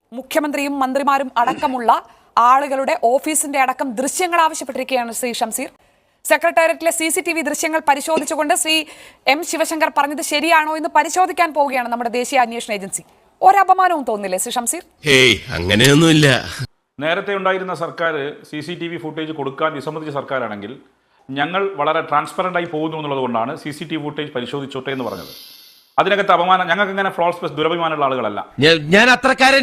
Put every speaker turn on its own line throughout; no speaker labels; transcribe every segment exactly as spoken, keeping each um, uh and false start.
മുഖ്യമന്ത്രിയും മന്ത്രിമാരും അടക്കമുള്ള ആളുകളുടെ ഓഫീസിന്റെ അടക്കം ദൃശ്യങ്ങൾ ആവശ്യപ്പെട്ടിരിക്കുകയാണ് ശ്രീ ഷംസീർ. സെക്രട്ടേറിയറ്റിലെ സി സി ടി വി ദൃശ്യങ്ങൾ പരിശോധിച്ചുകൊണ്ട് ശ്രീ എം ശിവശങ്കർ പറഞ്ഞത് ശരിയാണോ എന്ന് പരിശോധിക്കാൻ പോവുകയാണ് നമ്മുടെ ദേശീയ അന്വേഷണ ഏജൻസി. ഒരപമാനവും തോന്നില്ലേ ശ്രീ ഷംസീർ?
ഹേയ്, അങ്ങനെയൊന്നുമില്ല.
നേരത്തെ ഉണ്ടായിരുന്ന സർക്കാർ C C T V footage കൊടുക്കാൻ വിസമ്മതിച്ച സർക്കാരാണെങ്കിൽ ഞങ്ങൾ വളരെ ട്രാൻസ്പെറൻ്റ് ആയി പോകുന്നു എന്നുള്ളത് കൊണ്ടാണ് C C T V footage പരിശോധിച്ചോട്ടെ എന്ന് പറഞ്ഞത്. അതിനകത്ത് അപമാനം, ഞങ്ങൾക്ക് ഇങ്ങനെ ഫ്ലോൾസ് ദുരഭിമാനമുള്ള ആളുകളല്ല.
ഞാൻ അത്രക്കാരൻ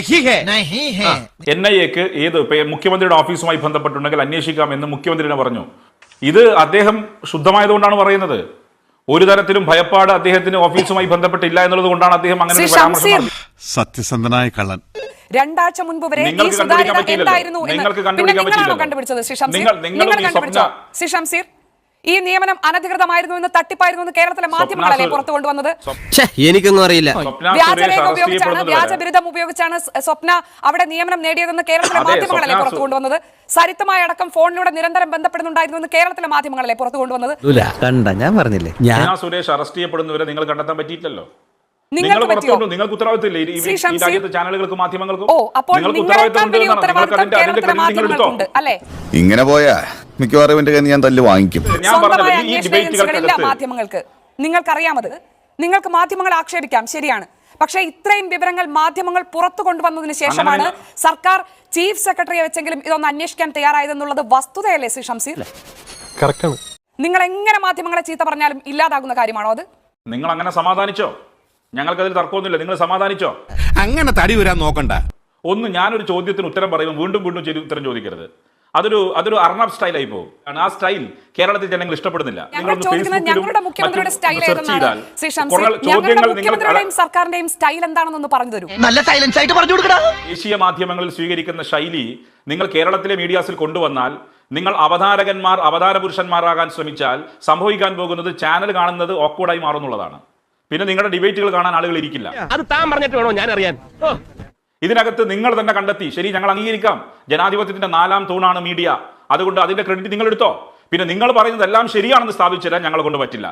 എൻ ഐ എക്ക് ഏത് മുഖ്യമന്ത്രിയുടെ ഓഫീസുമായി ബന്ധപ്പെട്ടുണ്ടെങ്കിൽ അന്വേഷിക്കാം എന്ന് മുഖ്യമന്ത്രി പറഞ്ഞു. ഇത് അദ്ദേഹം ശുദ്ധമായതുകൊണ്ടാണ് പറയുന്നത്. ഒരു തരത്തിലും ഭയപ്പാട് അദ്ദേഹത്തിന് ഓഫീസുമായി ബന്ധപ്പെട്ടില്ല എന്നുള്ളത് കൊണ്ടാണ് അദ്ദേഹം അങ്ങനെ പരാമർശം.
സത്യസന്ധനായ കള്ളൻ.
രണ്ടാഴ്ച മുൻപ് വരെ ഈ സുതാര്യത എന്തായിരുന്നു എന്ന് കണ്ടുപിടിച്ചത് ശ്രീ ഷംസീർ? നിങ്ങൾ കണ്ടുപിടിച്ചോ ശ്രീ ഷംസീർ? ഈ നിയമനം അനധികൃതമായിരുന്നു എന്ന്, തട്ടിപ്പായിരുന്നു എന്ന് കേരളത്തിലെ മാധ്യമങ്ങളല്ലേ പുറത്തു കൊണ്ടുവന്നത്?
എനിക്കൊന്നും അറിയില്ല.
വ്യാജരേഖ ഉപയോഗിച്ചാണ്, വ്യാജബിരുദം ഉപയോഗിച്ചാണ് സ്വപ്ന അവിടെ നിയമനം നേടിയതെന്ന് കേരളത്തിലെ മാധ്യമങ്ങളല്ലേ പുറത്തു കൊണ്ടുവന്നത്? സരിത്തുമായി അടക്കം ഫോണിലൂടെ നിരന്തരം ബന്ധപ്പെടുന്നുണ്ടായിരുന്നു എന്ന് കേരളത്തിലെ മാധ്യമങ്ങളല്ലേ പുറത്തു കൊണ്ടുവന്നത്?
ഞാൻ പറഞ്ഞില്ലേ,
സുരേഷ് അറസ്റ്റ് ചെയ്യപ്പെടുന്നവരെ നിങ്ങൾ കണ്ടെത്താൻ പറ്റിയില്ലല്ലോ.
നിങ്ങൾക്ക് പറ്റിയോ?
നിങ്ങൾക്ക് ഉത്തരവാദിത്തമില്ലേ ഈ രാജ്യത്തെ ചാനലുകൾക്കും മാധ്യമങ്ങൾക്കും?
ഓ, അപ്പോൾ നിങ്ങളെക്കാൾ വലിയ ഉത്തരവാദിത്തം കേരളത്തിലെ മാധ്യമങ്ങൾക്കുണ്ട് അല്ലേ?
ഇങ്ങനെ പോയാ മിക്കവാറും എന്റെ കയ്യിൽ ഞാൻ തല്ല് വാങ്ങിക്കും.
സ്വന്തമായ അന്വേഷണ ഏജൻസികളില്ല മാധ്യമങ്ങൾക്ക്. നിങ്ങൾക്കറിയാമത്. നിങ്ങൾക്ക് മാധ്യമങ്ങളെ ആക്ഷേപിക്കാം, ശരിയാണ്. പക്ഷേ ഇത്രയും വിവരങ്ങൾ മാധ്യമങ്ങൾ പുറത്തു കൊണ്ടുവന്നതിന് ശേഷമാണ് സർക്കാർ ചീഫ് സെക്രട്ടറിയെ വെച്ചെങ്കിലും ഇതൊന്ന് അന്വേഷിക്കാൻ തയ്യാറായതെന്നുള്ളത് വസ്തുതയല്ലേ ശ്രീ ഷംസീർ? നിങ്ങൾ എങ്ങനെ മാധ്യമങ്ങളെ ചീത്ത പറഞ്ഞാലും ഇല്ലാതാകുന്ന കാര്യമാണോ അത്?
നിങ്ങൾ അങ്ങനെ സമാധാനിച്ചോ? ഞങ്ങൾക്കതിൽ തർക്കമൊന്നുമില്ല. നിങ്ങൾ സമാധാനിച്ചോ?
അങ്ങനെ തടി വരാൻ നോക്കണ്ട.
ഒന്ന്, ഞാനൊരു ചോദ്യത്തിന് ഉത്തരം പറയുമ്പോൾ വീണ്ടും വീണ്ടും ഉത്തരം ചോദിക്കരുത്. അതൊരു അതൊരു അർണബ് സ്റ്റൈലായി പോകും. ആ സ്റ്റൈൽ കേരളത്തിൽ ജനങ്ങൾ ഇഷ്ടപ്പെടുന്നില്ല.
ഞങ്ങളുടെ മുഖ്യമന്ത്രിയുടെ സ്റ്റൈൽ ഏതെന്നാണ് ശ്രീ ഷംസീർ? ഞങ്ങളുടെ മുഖ്യമന്ത്രിയുടെയും സർക്കാരിന്റെയും സ്റ്റൈൽ എന്താണെന്നൊന്ന് പറഞ്ഞു തരൂ.
നല്ല സൈലൻസ് ആയിട്ട് പറഞ്ഞു കൊടുക്കടാ.
ദേശീയ മാധ്യമങ്ങളിൽ സ്വീകരിക്കുന്ന ശൈലി നിങ്ങൾ കേരളത്തിലെ മീഡിയാസിൽ കൊണ്ടുവന്നാൽ, നിങ്ങൾ അവതാരകന്മാർ അവതാര പുരുഷന്മാരാകാൻ ശ്രമിച്ചാൽ സംഭവിക്കാൻ പോകുന്നത് ചാനൽ കാണുന്നത് ഓക്വേർഡായി മാറുന്നുള്ളതാണ്. പിന്നെ നിങ്ങളുടെ ഡിബേറ്റുകൾ കാണാൻ ആളുകൾ ഇരിക്കില്ല.
അത് താൻ പറഞ്ഞിട്ട് വേണോ ഞാൻ അറിയാൻ?
ഇതിനകത്ത് നിങ്ങൾ തന്നെ കണ്ടെത്തി. ശരി, ഞങ്ങൾ അംഗീകരിക്കാം, ജനാധിപത്യത്തിന്റെ നാലാം തൂണാണ് മീഡിയ, അതുകൊണ്ട് അതിന്റെ ക്രെഡിറ്റ് നിങ്ങൾ എടുത്തോ. പിന്നെ നിങ്ങൾ പറയുന്നത് എല്ലാം ശരിയാണെന്ന് സ്ഥാപിച്ചു തരാൻ ഞങ്ങളെ കൊണ്ട് പറ്റില്ല.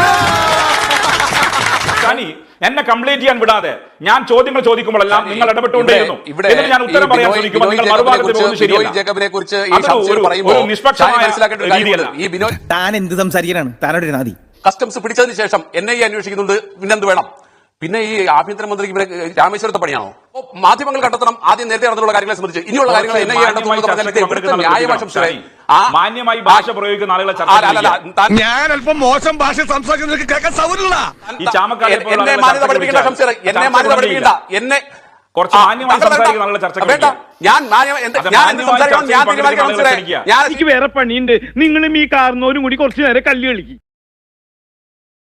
എന്നെ കംപ്ലൈന്റ് ചെയ്യാൻ വിടാതെ ഞാൻ ചോദ്യങ്ങൾ ചോദിക്കുമ്പോഴെല്ലാം നിങ്ങൾ ഇടപെട്ടുകൊണ്ടേയിരുന്നു. എന്നിട്ട് ഞാൻ ഉത്തരം പറയാൻ ശ്രമിക്കുമ്പോൾ നിങ്ങൾ മറുഭാഗത്ത് പോകുന്നത് ശരിയല്ല. ഒരു നിഷ്പക്ഷമായ രീതിയല്ല.
താൻ എന്ത് സംസാരിക്കാനാണ്? താനോട് നാദി
കസ്റ്റംസ് പിടിച്ചതിന് ശേഷം എൻ ഐ എ അന്വേഷിക്കുന്നുണ്ട്. പിന്നെന്ത് വേണം? പിന്നെ ഈ ആഭ്യന്തരമന്ത്രിക്ക് ഇവിടെ രാമേശ്വരത്തെ പണിയാണോ? മാധ്യമങ്ങൾ കണ്ടെത്തണം ആദ്യം നേരത്തെ നടന്നുള്ള കാര്യങ്ങളെ സംബന്ധിച്ച്. ഇനിയുള്ള കാര്യങ്ങൾ എൻ ഐ എ
മാന്യമായി ഭാഷ പ്രയോഗിക്കുന്ന ആളുകളെ
ഞാൻ അല്പം മോശം ഭാഷ സംസാരിക്കുന്നത് കേൾക്കാൻ സൗകര്യമില്ല.
ഈ ചാമക്കാരെ
എന്നെ മാന്യത പഠിപ്പിക്കേണ്ട ഷംസീർ, എന്നെ മാന്യത പഠിപ്പിക്കേണ്ട. എന്നെ
കുറച്ച് മാന്യമായി സംസാരിക്കുന്ന ആളുകളെ ചർച്ച
വേണ്ട. ഞാൻ ഞാൻ
എനിക്ക് വേറെ പണിയുണ്ട്. നിങ്ങളും ഈ കാർന്നോരും കൂടി കുറച്ചു നേരം കല്ല് കളിക്കും.